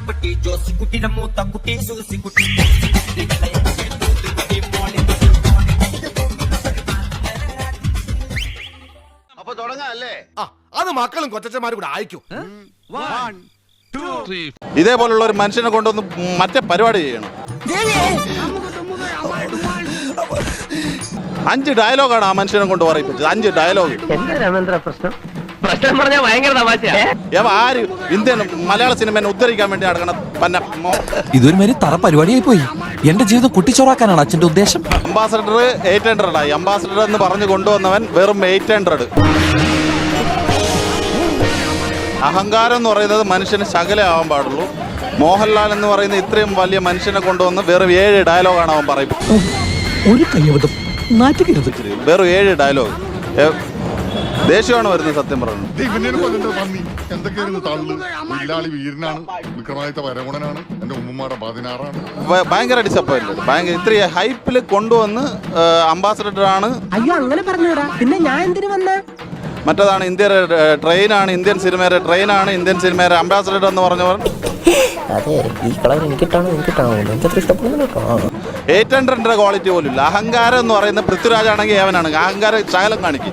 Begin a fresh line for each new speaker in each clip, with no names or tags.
കുട്ടി ജോസിക്കുട്ടിയുടെ മൂത്ത കുട്ടി സൂസിക്കുട്ടി.
അപ്പൊ തുടങ്ങാല്ലേ?
അത് മക്കളും കൊച്ചന്മാരും കൂടെ അയക്കും.
ഇതേപോലുള്ള ഒരു മനുഷ്യനെ കൊണ്ടൊന്ന് മറ്റേ പരിപാടി ചെയ്യണം. 5 ഡയലോഗാണ് ആ മനുഷ്യനെ കൊണ്ട് പറയിപ്പിച്ചത്. 5 ഡയലോഗ്. ആര് ഇന്ത്യൻ മലയാള സിനിമയെ ഉദ്ധരിക്കാൻ വേണ്ടി നടക്കണം?
ഇതൊരു മാതിരി തറ പരിപാടിയായി പോയി. എന്റെ ജീവിതം കുട്ടിച്ചോറാക്കാനാണ് അച്ഛന്റെ ഉദ്ദേശം.
അംബാസഡർ 800 ആയി. അംബാസഡർ എന്ന് പറഞ്ഞു കൊണ്ടുവന്നവൻ വെറും 800. അഹങ്കാരം എന്ന് പറയുന്നത് മനുഷ്യന് ശകലമാവാൻ പാടുള്ളൂ. മോഹൻലാൽ എന്ന് പറയുന്ന ഇത്രയും വലിയ മനുഷ്യനെ കൊണ്ടുവന്ന് വെറും 7 ഡയലോഗാണ് അവൻ പറയുന്നത്.
ഒരു കയ്യബദ്ധം നാറ്റുകരുത്.
വെറും 7 ഡയലോഗ്. ദേഷ്യമാണ് വരുന്നത് സത്യം പറഞ്ഞു. ഭയങ്കര ഡിസപ്പോയിന്റഡ്. ഭയങ്കര ഇത്രയും ഹൈപ്പിൽ കൊണ്ടുവന്ന് അംബാസഡർ ആണ്.
അയ്യോ അങ്ങനെ പറഞ്ഞൂടാ. പിന്നെ ഞാൻ എന്തിനു വന്ന?
മറ്റേതാണ് ഇന്ത്യയുടെ ട്രെയിനാണ്, ഇന്ത്യൻ സിനിമയുടെ ട്രെയിനാണ്, ഇന്ത്യൻ സിനിമയുടെ അംബാസഡർ എന്ന് പറഞ്ഞവർ.
അതെ, ഈ കളർ എനിക്കിട്ടാണോ എനിക്കത്ര ഇഷ്ടപ്പെടുന്നു.
800 ക്വാളിറ്റി പോലും ഇല്ല. അഹങ്കാരം എന്ന് പറയുന്ന പൃഥ്വിരാജ് ആണെങ്കിൽ ഏവനാണ്. അഹങ്കാരം ശകലം കാണിക്കും,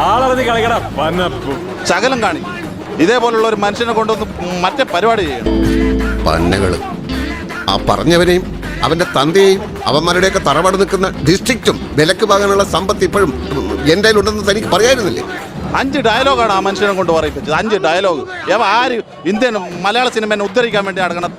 ശകലം കാണിക്കും. ഇതേപോലുള്ള ഒരു മനുഷ്യനെ കൊണ്ടൊന്ന് മറ്റേ പരിപാടി ചെയ്യണം.
പന്നകള് ആ പറഞ്ഞവരെയും അവന്റെ തന്തയെയും അവന്മാരുടെയൊക്കെ തറവാട് നിൽക്കുന്ന ഡിസ്ട്രിക്റ്റും വിലക്ക് വാങ്ങാനുള്ള സമ്പത്ത് ഇപ്പോഴും എന്റെ ഉണ്ടെന്ന് തനിക്ക് പറയായിരുന്നില്ലേ?
5 ഡയലോഗാണ് ആ മനുഷ്യനെ കൊണ്ട് പറയിപ്പിച്ചത്. 5 ഡയലോഗ്. ആര് ഇന്ത്യൻ മലയാള സിനിമയെ ഉദ്ധരിക്കാൻ വേണ്ടി നടക്കണം?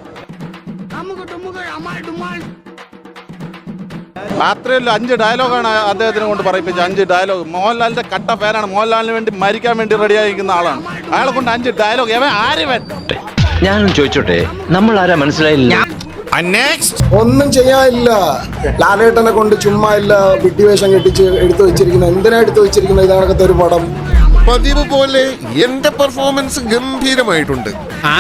മാത്രമല്ല 5 ഡയലോഗാണ് അദ്ദേഹത്തിനെ കൊണ്ട് പറയിപ്പിച്ചത്. 5 ഡയലോഗ്. മോഹൻലാലിന്റെ കട്ട ഫാനാണ്. മോഹൻലാലിന് വേണ്ടി മരിക്കാൻ വേണ്ടി റെഡിയായിരിക്കുന്ന ആളാണ്. അയാളെ കൊണ്ട് 5 ഡയലോഗ്. ആര്
ഞാനും ചോദിച്ചോട്ടെ, നമ്മൾ ആരാ മനസ്സിലായില്ല.
ഒന്നും ചെയ്യാനില്ല. ലാലേട്ടനെ കൊണ്ട് ചുമ്മാ ഇല്ല വിഡ്ഢിവേഷം കെട്ടിച്ച് എടുത്തു വെച്ചിരിക്കുന്ന. എന്തിനാ എടുത്തു വെച്ചിരിക്കുന്ന ഇതാണത്തെ ഒരു പടം?
പതിവ് പോലെ എന്റെ പെർഫോമൻസ് ഗംഭീരമായിട്ടുണ്ട്.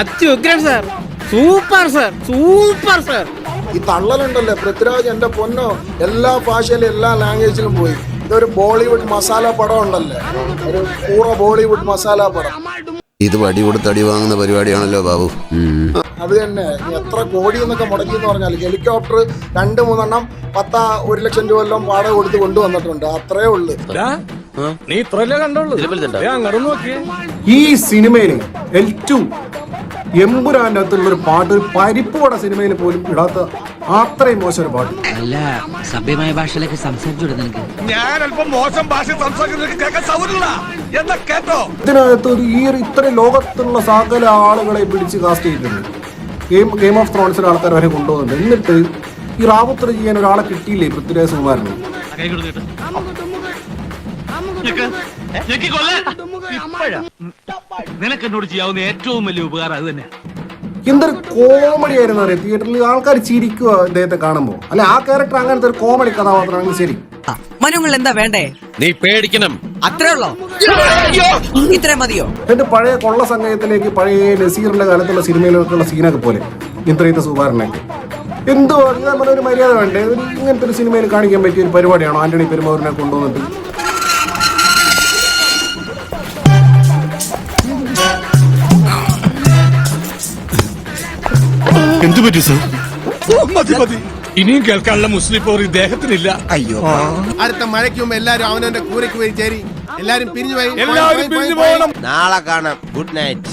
ഈ തള്ളലുണ്ടല്ലേ പൃഥ്വിരാജ്, എന്റെ പൊന്നോ, എല്ലാ ഭാഷയിലും എല്ലാ ലാംഗ്വേജിലും പോയി. ഇതൊരു ബോളിവുഡ് മസാല പടം ഉണ്ടല്ലേ, ഒരു പൂറ ബോളിവുഡ് മസാല പടം.
ഇത് വടി കൊടുത്ത് അടി വാങ്ങുന്ന പരിപാടിയാണല്ലോ ബാബു.
അത് തന്നെ. എത്ര കോടി എന്നൊക്കെ മുടക്കി എന്ന് പറഞ്ഞാൽ ഹെലികോപ്റ്റർ 2-3 എണ്ണം 1 ലക്ഷം രൂപ എല്ലാം വാടക കൊടുത്ത് കൊണ്ടുവന്നിട്ടുണ്ട്. അത്രേ ഉള്ളു.
ഈ സിനിമയിൽ L2 എമ്പുരാന്റെ അകത്തുള്ളൊരു പാട്ട്, ഒരു പരിപ്പോടെ സിനിമയിൽ പോലും ഇടാത്ത അത്രയും മോശം ഒരു പാട്ട്.
അല്ല, സഭ്യമായ ഭാഷയിലൊക്കെ സംസാരിച്ചു നിനക്ക്.
ഞാൻ അല്പം മോശം ഭാഷ
ഇതിനകത്ത് ഇത്രയും ലോകത്തുള്ള സകല ആളുകളെ പിടിച്ച് കാസ്റ്റ് ചെയ്തിട്ടുണ്ട്. ഗെയിം ഓഫ് ത്രോൺസിലെ ആൾക്കാർ വരെ കൊണ്ടുപോകുന്നുണ്ട്. എന്നിട്ട് ഈ റാവുത്തർ ചെയ്യാൻ ഒരാളെ കിട്ടിയില്ലേ പൃഥ്വിരാജ് സുകുമാരന്?
നിനക്ക് എന്നോട് ചെയ്യാവുന്ന ഏറ്റവും വലിയ ഉപകാരം അത് തന്നെ.
എന്തൊരു കോമഡി ആയിരുന്നു അറിയാം. തിയേറ്ററിൽ ആൾക്കാർ ചിരിക്കുക അദ്ദേഹത്തെ കാണുമ്പോ. അല്ലെ, ആ ക്യാരക്ടർ അങ്ങനത്തെ ഒരു കോമഡി കഥാപാത്രമാണെങ്കിൽ ശരി.
മനുങ്ങൾ എന്താ വേണ്ടേ?
നീ പേടിക്കണം.
അത്രേ ഉള്ളോ? ഇത്രേ മതിയോ?
എന്നിട്ട് പഴയ കൊള്ള സംഘത്തിലേക്ക്, പഴയ നസീറിന്റെ കാലത്തുള്ള സിനിമയിലൊക്കെയുള്ള സീനൊക്കെ പോലെ ഇത്രയത്തെ സുകുമാരനൊക്കെ എന്തോ നമ്മുടെ ഒരു മര്യാദ വേണ്ടേ? ഇങ്ങനത്തെ ഒരു സിനിമയിൽ കാണിക്കാൻ പറ്റിയ ഒരു പരിപാടിയാണോ ആന്റണി പെരുമാറിനെ കൊണ്ടുവന്നിട്ട്?
എന്തു പറ്റി സാർ? മതി. ഇനിയും കേൾക്കാനുള്ള മുസ്ലിം പോർ ഇദ്ദേഹത്തിനില്ല. അയ്യോ,
അടുത്ത മഴയ്ക്ക് മുമ്പ് എല്ലാരും അവനവന്റെ കൂരയ്ക്ക് പോയി ചേരി. എല്ലാരും പിരിഞ്ഞു
പോകണം.
നാളെ കാണാം. Good night.